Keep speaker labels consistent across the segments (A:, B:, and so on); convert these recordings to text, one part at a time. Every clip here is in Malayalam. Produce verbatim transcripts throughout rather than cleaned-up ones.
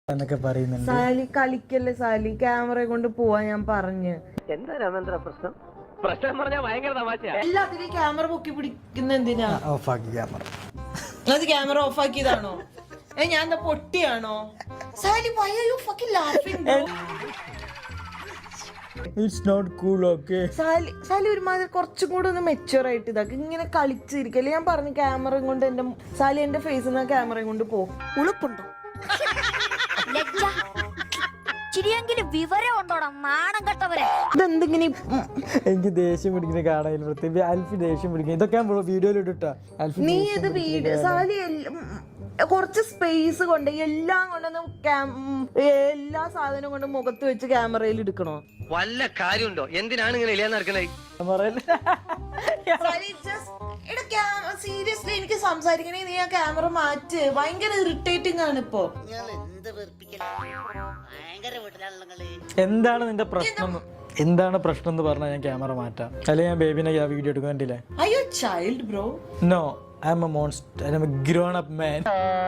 A: എന്നൊക്കെ പറയുന്നുണ്ട്.
B: സാലി കളിക്കല്ലേ സാലി, ക്യാമറ കൊണ്ട് പോവാൻ ഞാൻ പറഞ്ഞു.
C: എന്താ രാമേന്ദ്ര പ്രശ്നം? പ്രശ്നം പറഞ്ഞാൽ ഭയങ്കര തമാശയാ.
B: എല്ലാത്തിനും ക്യാമറ പൊക്കി പിടിക്കുന്ന എന്തിനാ?
A: ഓഫാക്കി ക്യാമറ.
B: അത് ക്യാമറ ഓഫ് ആക്കിയതാണോ? ഏ ഞാൻ എന്താ പൊട്ടിയാണോ? സാലി why are you fucking laughing bro?
A: It's not cool, okay?
B: സാലി സാലി ഒരുമാതിരി കുറച്ചും കൂടെ ഒന്ന് മെച്ചുവർ ആയിട്ട് ഇതാക്കി ഇങ്ങനെ കളിച്ചിരിക്കല്ലേ. ഞാൻ പറഞ്ഞു ക്യാമറയും കൊണ്ട് എന്റെ സാലി എന്റെ ഫേസിൽ നിന്ന് ക്യാമറയും കൊണ്ട് പോ.
D: ഉളുപ്പുണ്ടോ? ചിരിയെങ്കിലും വിവരം ഉണ്ടോടാ നാണം കെട്ടവരെ.
B: ഇതെന്തിങ്ങനെ
A: എനിക്ക് ദേഷ്യം പിടിക്കുന്ന കാണാൻ പ്രത്യേകിച്ച് അൽഫി ദേഷ്യം പിടിക്കും. ഇതൊക്കെ വീഡിയോയിൽ ഇട്ടാ അൽഫി
B: നീ ഇത് വീഡിയോ സാലി കുറച്ച് സ്പേസ് കൊണ്ട് എല്ലാം കൊണ്ടൊന്നും എല്ലാ സാധനവും കൊണ്ട് മുഖത്ത് വെച്ച് ക്യാമറയിൽ എടുക്കണോ?
C: വല്ല കാര്യമുണ്ടോ? എന്തിനാണ് ഇങ്ങനെ ഇല്ലാന്ന് നടക്കണേ?
B: സീരിയസ്ലി എനിക്ക് സംസാരിക്കണേ നീ ആ ക്യാമറ മാറ്റ്. ഭയങ്കര ഇറിറ്റേറ്റിംഗ് ആണ് ഇപ്പൊ.
A: എന്താണ് നിന്റെ പ്രശ്നം? എന്താണ് പ്രശ്നം എന്ന് പറഞ്ഞാൽ ഞാൻ ക്യാമറ മാറ്റാം. അല്ലെ ഞാൻ ബേബിനെ വീഡിയോ എടുക്കാൻ കണ്ടില്ലേ?
B: Are you a child bro?
A: No, I'm a monster. I'm a grown up man.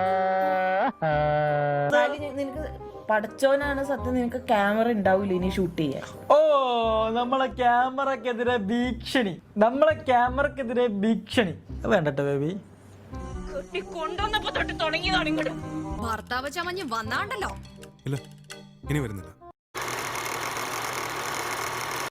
B: നിനക്ക് പഠിച്ചോനാണ് സത്യം, നിനക്ക് ക്യാമറ ഉണ്ടാവില്ല ഇനി ഷൂട്ട് ചെയ്യാൻ.
A: ഓ നമ്മളെ ക്യാമറക്കെതിരെ ഭീഷണി, നമ്മളെ ക്യാമറക്കെതിരെ ഭീഷണി വേണ്ടട്ടോ ബേബി.
D: ഭർത്താവ് ചമഞ്ഞ് വന്നാണ്ടല്ലോ.
E: ഇല്ല, ഇനി വരുന്നില്ല.